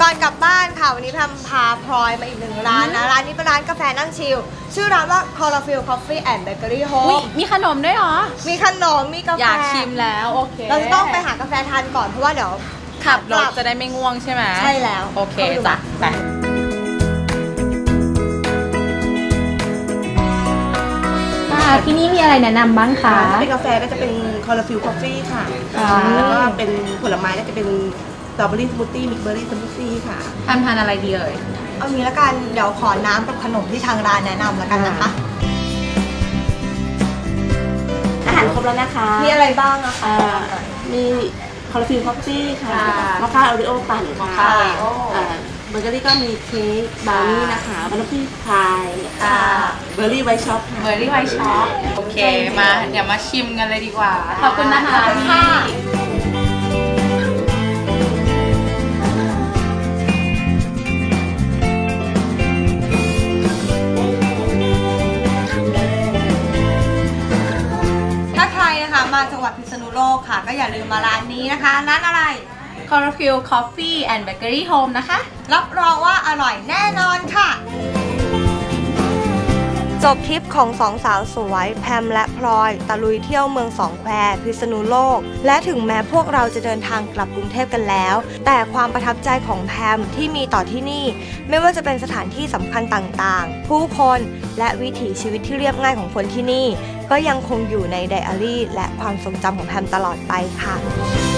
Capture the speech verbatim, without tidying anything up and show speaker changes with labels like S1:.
S1: ก่อนกลับบ้านค่ะวันนี้แพมพาพลอยมาอีกหนึ่งร้านนะร้านนี้เป็นร้านกาแฟนั่งชิลชื่อร้านว่า Chlorophyll Coffee and Bakery
S2: อุ๊ย
S1: Home
S2: มีขนมด้วยเหรอ
S1: มีขนมมีกาแฟ
S2: อยากชิมแล้วโอเค
S1: เราจะต้องไปหากาแฟทานก่อนเพราะว่าเดี๋ยว
S2: ขับรถจะได้ไม่ง่วงใช่ไหม
S1: ใช่แล้ว
S2: โอเคจ้ะไป
S3: ที่นี่มีอะไรแนะนำบ้างคะ
S4: ถ้าเป็นกาแฟก็จะเป็นคอร์ฟิลคอฟฟี่ค่ะ
S3: อ่า
S4: แล้วก็เป็นผลไม้ก็จะเป็นสตรอเบอรี่สมูทตี้มิกเบอรี่สมูทตี้ค่ะ
S2: ทานทานอะไรดีเอ่ย
S1: เอางี้ละกันเดี๋ยวขอน้ำกับขนมที่ทางร้านแนะนำแล้วกันนะคะ
S4: อาหารครบแล้วนะคะ
S1: มีอะไรบ้างอะคะ
S4: อ่ามีคอร์ฟิลคอฟฟี่ค่ะ
S2: ค่ะ
S4: มอคค่าโอริโอปั่นค่ะ
S2: มอคค่าโอริโอ
S4: อ่าเบเกอรี่ก็มีเค้กบราวนี่นะคะบันทึกพาย
S2: ค่ะ
S4: เบอร์รี่ไวท์ช็อปค่ะ
S2: เบอร์รี่ไวท์ช็อปโอเคมาเดี๋ยวมาชิมกันเลยดีกว่า ขอบคุณนะคะ
S1: ขอบคุณค่ะ ถ้าใครนะคะมาจังหวัดพิษณุโลกค่ะ ก็อย่าลืมมาร้านนี้นะคะร้านอะไร
S2: Chlorophyll Coffee and Bakery Home นะคะ
S1: รับรองว่าอร่อยแน่นอนค่ะ จบทริปของสองสาวสวยแพมและพลอยตะลุยเที่ยวเมืองสองแควพิษณุโลก และถึงแม้พวกเราจะเดินทางกลับกรุงเทพกันแล้ว แต่ความประทับใจของแพมที่มีต่อที่นี่ ไม่ว่าจะเป็นสถานที่สำคัญต่างๆ ผู้คนและวิถีชีวิตที่เรียบง่ายของคนที่นี่ ก็ยังคงอยู่ในไดอารี่และความทรงจำของแพมตลอดไปค่ะ